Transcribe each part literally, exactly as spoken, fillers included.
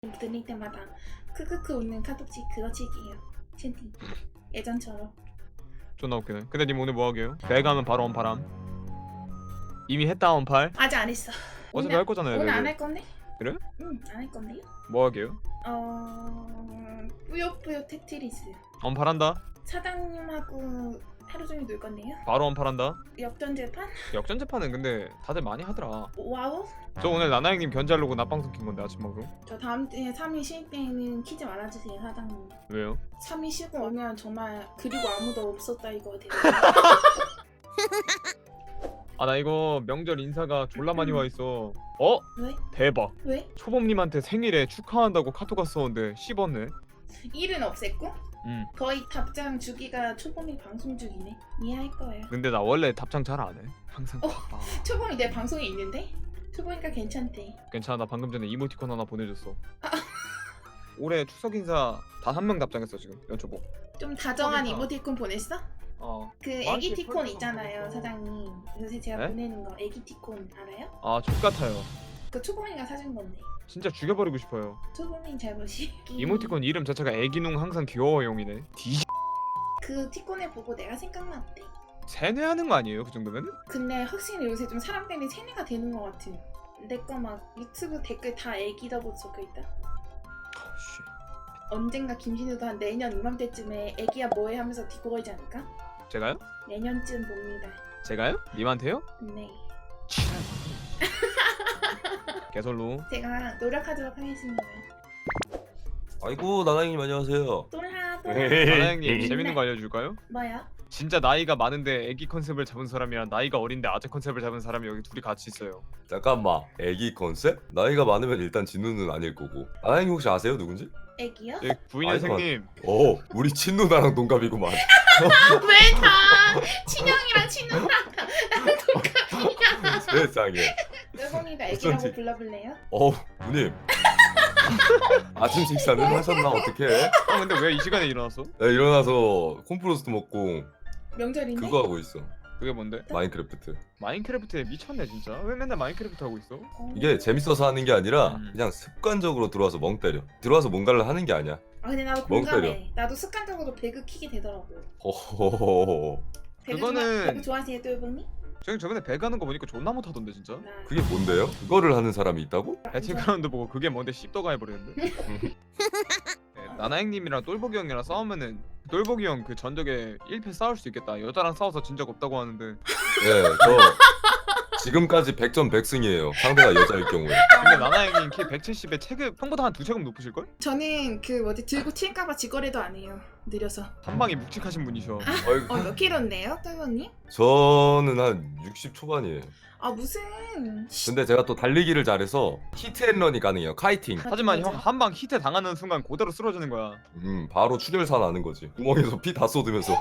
들릴 때마다 크크크 웃는 카톡치 그거 치기예요. 채팅 예전처럼. 존나 웃기네. 근데 님 오늘 뭐 하게요? 배 가면 바로 언팔함. 이미 했다 언팔. 아직 안 했어. 어차피 할 거잖아요. 오늘 내일. 안 할 건데? 그래? 응, 안 할 건데요. 뭐 하게요? 어... 뿌요뿌요 테트리스. 언팔한다. 사장님하고 하루 종일 놀 건데요. 바로 언팔한다. 역전재판? 역전재판은 근데 다들 많이 하더라. 와우? 저 오늘 나나 형님 견제하려고 낮방송 킨 건데 아침 방송. 저 다음 주에 삼 일 쉴 때는 키지 말아주세요 사장님. 왜요? 삼 일 쉬고 오면 정말 그리고 아무도 없었다 이거 돼요. 아 나 이거 명절 인사가 졸라 많이 와 있어. 어? 왜? 대박. 왜? 초범님한테 생일에 축하한다고 카톡 왔었는데 씹었네. 일은 없앴고? 응. 거의 답장 주기가 초범이 방송 중이네. 이해할 거예요. 근데 나 원래 답장 잘 안 해. 항상 어? 바빠. 초범이 내 방송에 있는데? 초범이니까 괜찮대. 괜찮아. 나 방금 전에 이모티콘 하나 보내줬어. 올해 추석 인사 단 한 명 답장했어 지금 연초보. 좀 다정한 초범이다. 이모티콘 보냈어? 어. 그 많지, 애기티콘 펄펄 있잖아요 보냈어. 사장님. 요새 제가 네? 보내는 거 애기티콘 알아요? 아 족같아요. 그 초범이가 사준 건데. 진짜 죽여버리고 싶어요. 초범이 잘못이. 이모티콘 이름 자체가 애기농 항상 귀여워용이네. 뒤 그 티콘을 보고 내가 생각났대. 세뇌하는 거 아니에요 그 정도면? 근데 확실히 요새 좀 사람 때문에 세뇌가 되는 것 같은. 내 거 막 유튜브 댓글 다 애기다고 적혀있다. 씨. 언젠가 김신우도 한 내년 이맘때쯤에 애기야 뭐해 하면서 뒤집어지지 않을까? 제가요? 내년쯤 봅니다. 제가요? 님한테요? 네. 개설로. 제가 노력하도록 하겠습니다. 아이고 나나형님 안녕하세요. 똘하 똘하. 나나 형님 재밌는 거 알려줄까요? 뭐야? 진짜 나이가 많은데 애기 컨셉을 잡은 사람이랑 나이가 어린데 아재 컨셉을 잡은 사람이 여기 둘이 같이 있어요. 잠깐만 애기 컨셉? 나이가 많으면 일단 진우는 아닐 거고. 나나형님 혹시 아세요 누군지? 애기요? 예, 부인선생님. 어 우리 친누나랑 동갑이구만. 왜 다 친형이랑 친누나랑 나랑 동갑이야? 세상에. 여봉이가 무슨 애기라고 지- 불러볼래요? 어 누님. 아침 식사는 하셨나 어떻게? 아 근데 왜 이 시간에 일어났어? 나 일어나서 콤프로스트 먹고 명절인데? 그거 하고 있어. 그게 뭔데? 마인크래프트. 마인크래프트에 미쳤네 진짜. 왜 맨날 마인크래프트 하고 있어? 어. 이게 재밌어서 하는 게 아니라 음. 그냥 습관적으로 들어와서 멍 때려. 들어와서 뭔가를 하는 게 아니야. 아 근데 나도 멍 공감해. 나도 습관적으로 배그 키게 되더라고. 허허허허. 배그 그거는- 좋아, 배그 좋아하세요 또 여봉이? 저기 저번에 배 가는 거 보니까 존나 못하던데 진짜. 나 그게 뭔데요? 그거를 하는 사람이 있다고? 배틀그라운드 보고 그게 뭔데 씹더가 해버렸는데. 네, 나나 형님이랑 똘보기 형이랑 싸우면은 똘보기 형 그 전적에 일 패 싸울 수 있겠다. 여자랑 싸워서 진 적 없다고 하는데. 예, 저 지금까지 백 점 백 승이에요. 상대가 여자일 경우에. 근데 나나 형님 키 백칠십에 체급 형보다 한 두 체급 높으실걸? 저는 그 뭐지 들고 튈까봐 지거래도 안 해요. 느려서. 한 방에 묵직하신 분이셔. 어이구, 어 몇 킬로인데요, 똘보님? 저는 한 육십 초반이에요. 아 무슨? 근데 제가 또 달리기를 잘해서 히트앤런이 가능해요. 카이팅. 하지만 맞아. 형 한 방 히트 당하는 순간 그대로 쓰러지는 거야. 음, 바로 출혈사 나는 거지. 구멍에서 피 다 쏟으면서.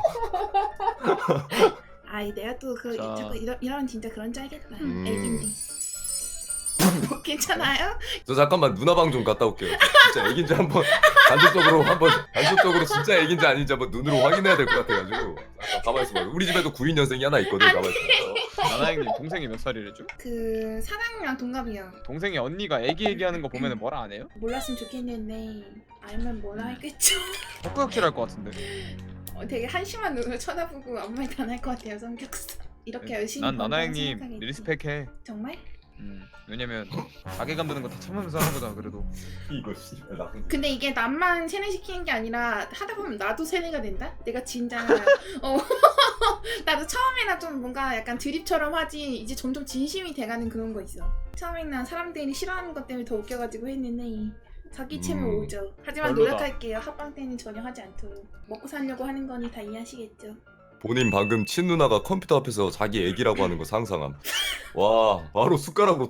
아이 내가 또 그 자. 자꾸 이러, 이러면 진짜 그런 줄 알겠다. 음. 애긴데. 뭐, 괜찮아요? 저 잠깐만 누나방 좀 갔다 올게요. 진짜 애긴지 한번 간접적으로 한번 간접적으로 진짜 애긴지 아닌지 한번 눈으로 확인해야 될 것 같아가지고. 잠깐 가만 있어봐. 우리 집에도 구인 년생이 하나 있거든. 가만 있어. 나나 형님 동생이 몇 살이래죠? 그 사장님이랑 동갑이요. 동생이 언니가 애기 얘기하는 거 보면은 뭐라 안 해요? 몰랐으면 좋겠는데 알면 뭐라 할겠죠. 헛구역질 것 같은데. 어, 되게 한심한 눈으로 쳐다보고 아무 말도 안 할 것 같아요 성격상. 이렇게 열심히 난 나나 번다고 형님 생각하겠지. 리스펙해. 정말? 음, 왜냐면 자괴감 드는 거 다 참으면서 하는 거잖아 그래도. 이거 씨발 나쁜. 근데 이게 남만 세뇌시키는 게 아니라 하다 보면 나도 세뇌가 된다? 내가 진짜 어 나도 처음에는 좀 뭔가 약간 드립처럼 하지 이제 점점 진심이 돼가는 그런 거 있어. 처음에는 사람들이 싫어하는 것 때문에 더 웃겨가지고 했는데 자기 체면 음, 오죠. 하지만 별로다. 노력할게요. 합방 때는 전혀 하지 않도록. 먹고 살려고 하는 거니 다 이해하시겠죠. 본인 방금 친누나가 컴퓨터 앞에서 자기 애기라고 하는 거 상상함. 와 바로 숟가락으로.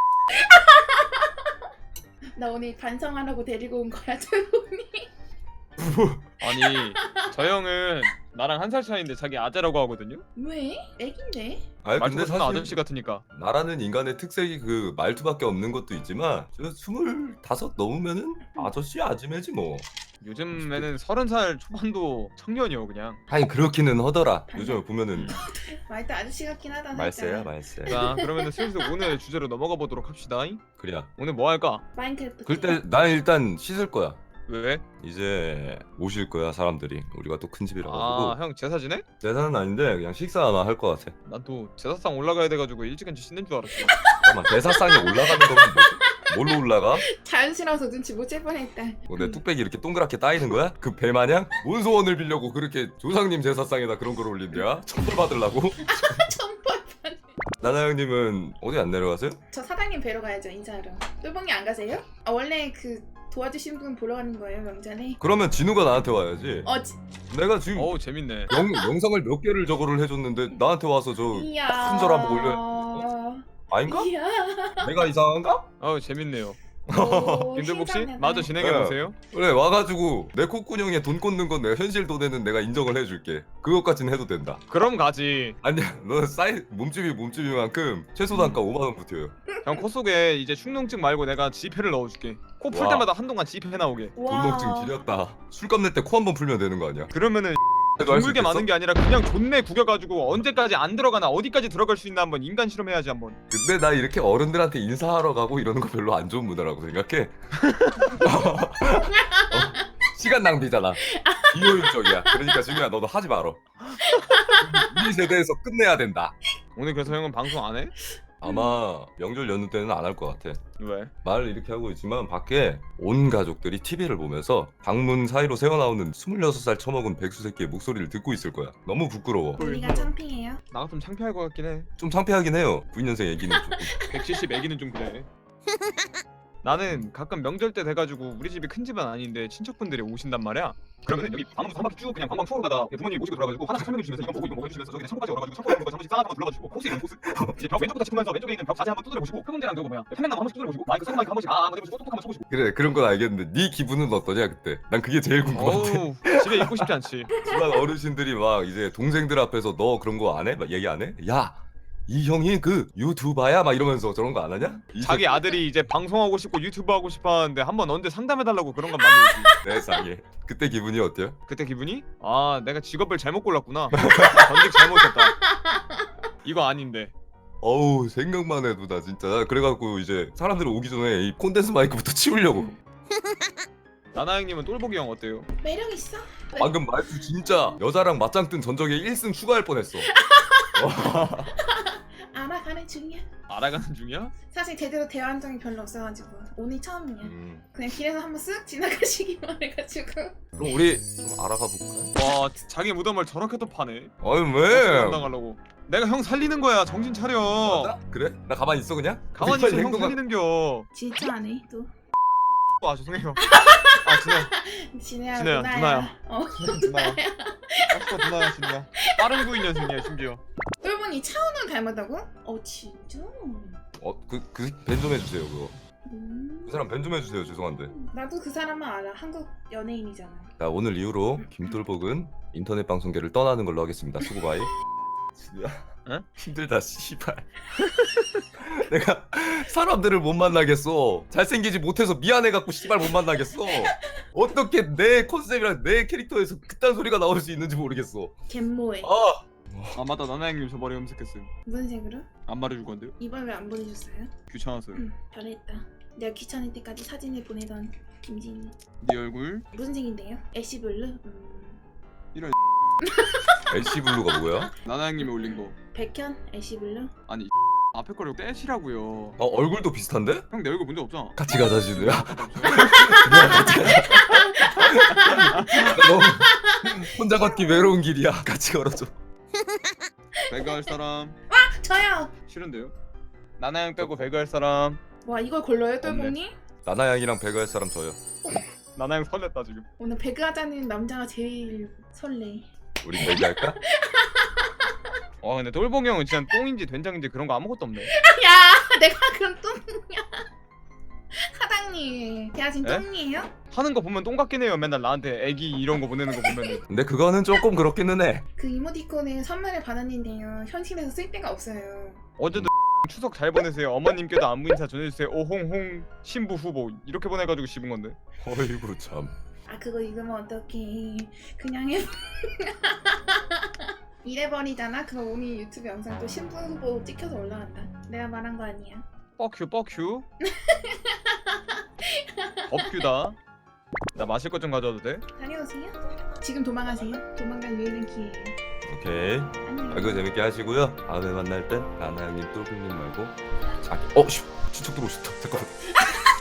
나 오늘 반성하라고 데리고 온 거야 조용히. 아니 저 형은 나랑 한 살 차이인데 자기 아재라고 하거든요? 왜? 애긴데? 아니 말투가 근데 존나 사실 아저씨 같으니까. 나라는 인간의 특색이 그 말투밖에 없는 것도 있지만 저 스물다섯 넘으면은 아저씨 아줌매지 뭐. 요즘에는 서른 살 초반도 청년이요 그냥. 아니 그렇기는 하더라. 요즘 보면은 말도 아저씨 같긴 하다. 살짝. 말세야 말세. 자 그러면은 슬슬 오늘 주제로 넘어가 보도록 합시다. 그래. 오늘 뭐 할까? 마인크래프트. 그때 난 일단 씻을 거야. 왜? 이제 오실 거야 사람들이. 우리가 또 큰 집이라 가지고. 아 형 제사 지내? 제사는 아닌데 그냥 식사 아마 할 것 같아. 난 또 제사상 올라가야 돼가지고 일찍은지 씻는 줄 알았어. 잠깐만 제사상에 올라가는 거면 뭐, 뭘로 올라가? 자연스러워서 눈치 못 챌 뻔했다. 뭐 내 뚝배기 이렇게 동그랗게 따이는 거야? 그 배 마냥? 뭔 소원을 빌려고 그렇게 조상님 제사상에다 그런 걸 올린대야? 천벌 받으려고? 천벌 받네. 나나 형님은 어디 안 내려가세요? 저 사장님 뵈러 가야죠 인사하러. 똘봉이 안 가세요? 아 원래 그 도와주신 분 보러 가는 거예요 명절에? 그러면 진우가 나한테 와야지. 어 지... 내가 지금 어우 재밌네. 영, 영상을 몇 개를 저거를 해줬는데 나한테 와서 저 이야. 큰절 한번 올려. 아닌가? 이야. 내가 이상한가? 어우 재밌네요. 오, 김들복 씨 신선하다. 마저 진행해 보세요. 그래 와가지고 내 콧구녕에 돈 꽂는 건 내가 현실 돈에는 내가 인정을 해줄게. 그것까진 해도 된다. 그럼 가지. 아니야 너 사이 몸집이 몸집이만큼 최소 단가 오만 원 붙여요. 형 코 속에 이제 축농증 말고 내가 지폐를 넣어줄게. 코 풀 와. 때마다 한동안 지폐 나오게. 와. 돈독증 지렸다. 술값 낼 때 코 한 번 풀면 되는 거 아니야? 그러면은 그래도 할수 둥글게 있겠어? 많은 게 아니라 그냥 존내 구겨가지고 언제까지 안 들어가나 어디까지 들어갈 수 있나 한번 인간 실험해야지 한번. 근데 나 이렇게 어른들한테 인사하러 가고 이러는 거 별로 안 좋은 문화라고 생각해. 어? 시간 낭비잖아. 비효율적이야. 그러니까 지금야 너도 하지 마라. 우리 세대에서 끝내야 된다. 오늘 그래서 형은 방송 안 해? 아마 명절 연휴 때는 안 할 것 같아. 왜? 말을 이렇게 하고 있지만 밖에 온 가족들이 티비를 보면서 방문 사이로 새어나오는 스물여섯 살 처먹은 백수 새끼의 목소리를 듣고 있을 거야. 너무 부끄러워. 우리가 창피해요. 나 같으면 창피할 것 같긴 해. 좀 창피하긴 해요. 구십 년생 애기는 조금. 백칠십 애기는 좀 그래. 나는 가끔 명절 때 돼가지고 우리 집이 큰 집은 아닌데 친척분들이 오신단 말이야. 그러면 여기 방문 한 바퀴 쭉 그냥 관광 투어로 가다 부모님이 모시고 들어가지고 하나씩 설명해 주시면서 이건 보고 이건 먹어 주시면서 저기 창고까지 열어가지고 창고에 있는 거 잠시 싸가지고 불러가지고 코스 있는 코스 이제 벽 왼쪽부터 짚으면서 왼쪽에 있는 벽 자세 한번 두드려 보시고 큰 문제랑 그거 뭐야 평행나무 한 번씩 두드려 보시고 마이크 새 마이크 한 번씩 아 한번 해보시고 똑똑 한번 쳐보시고. 그래 그런 건 알겠는데 네 기분은 어떠냐 그때? 난 그게 제일 궁금한데. 어우 집에 있고 싶지 않지. 막 어르신들이 막 이제 동생들 앞에서 너 그런 거 안 해? 막 얘기 안 해? 야! 이 형이 그 유튜버야? 막 이러면서 저런 거 안 하냐? 이 자기 아들이 이제 방송하고 싶고 유튜브 하고 싶어 하는데 한번 언제 상담해달라고 그런 건 많이 오지. 세상에. 그때 기분이 어때요? 그때 기분이? 아 내가 직업을 잘못 골랐구나. 전직 잘못했다. 이거 아닌데. 어우 생각만 해도 나 진짜 그래갖고 이제 사람들 오기 전에 이 콘덴스 마이크부터 치우려고. 나나 형님은 똘보기 형 어때요? 매력 있어. 방금 말투 진짜 여자랑 맞짱 뜬 전적에 일 승 추가할 뻔했어. 알아가는 중이야. 알아가는 중이야? 사실 제대로 대화한 적이 별로 없어가지고 오늘 처음이야. 음. 그냥 길에서 한번 쓱 지나가시기만 해가지고. 그럼 우리 좀 알아가 볼까요? 와 자기 무덤을 저렇게 또 파네. 아니 왜? 당하려고. 내가 형 살리는 거야. 정신 차려. 맞아? 그래? 나 가만히 있어 그냥? 가만히 있어 형 살리는겨. 진짜 안 해, 또. 아 죄송해요. 아 진짜 진혜야, 진혜야, 누나야. 누나야. 어. 누나야. 아까 누나야 진짜. 빠른 구이 년생이야 심지어. 똘봉이 차은우 닮았다고? 어, 진짜? 어그그밴 좀 해주세요 그거. 음. 그 사람 밴 좀 해주세요 죄송한데. 나도 그 사람만 알아. 한국 연예인이잖아. 자 오늘 이후로 김돌복은 인터넷 방송계를 떠나는 걸로 하겠습니다. 수고 바이. 진우야. 응? 힘들다 씨발. 내가 사람들을 못 만나겠어. 잘생기지 못해서 미안해갖고 씨발 못 만나겠어. 어떻게 내 컨셉이랑 내 캐릭터에서 그딴 소리가 나올 수 있는지 모르겠어. 갯모에. 아 아 맞다 나나 형님 저 머리 염색했음. 무슨 색으로? 안 말해줄 건데요? 이번 왜 안 보내줬어요? 귀찮아서요. 응, 잘했다. 내가 귀찮을 때까지 사진을 보내던 김진이. 네 얼굴 무슨 색인데요? 애쉬블루? 음... 엘씨 블루가 뭐야? 나나 형님이 올린 거. 백현? 애쉬블루? 아니 앞에 거를 떼시라고요. 어 얼굴도 비슷한데? 형 내 얼굴 문제 없잖아. 같이 가자 진우야. 진우야 같이 가자. 너무 혼자 걷기 외로운 길이야. 같이 걸어줘. 배그 할 사람 저요! 싫은데요? 나나 형 빼고 배그 할 사람. 와, 이걸 골라요, 똘봉이? 나나 양이랑 배그 할 사람 저요. 나나 형 설렜다 지금. 오늘 배그 하자는 남자가 제일 설레. 우리 배그 할까? 와 근데 똘봉이 형은 진짜 똥인지 된장인지 그런 거 아무것도 없네. 야! 내가 그럼 똥이야. 사장님, 제가 지금 에? 똥이에요? 하는 거 보면 똥 같긴 해요. 맨날 나한테 애기 이런 거 보내는 거 보면은. 근데 그거는 조금 그렇기는 해. 그 이모티콘에 선물을 받았는데요. 현실에서 쓸 데가 없어요. 어제도 추석 잘 보내세요. 어머님께도 안부 인사 전해주세요. 오홍홍 신부 후보 이렇게 보내가지고 씹은 건데. 어이구 참. 아 그거 읽으면 어떡해. 그냥 해. 이래버리잖아. 그럼 오늘 유튜브 영상 또 신부 후보 찍혀서 올라간다. 내가 말한 거 아니야. 뻑큐 뻑큐. 법큐다. 나 마실 것 좀 가져와도 돼? 다녀오세요. 지금 도망가세요. 도망갈 유일한 기회예요. 오케이. 안녕. 아, 이거 재밌게 하시고요. 다음에 만날 때 나나형님, 똘똘님 말고 자기. 어, 씨, 친척 들어오셨다. 잠깐만.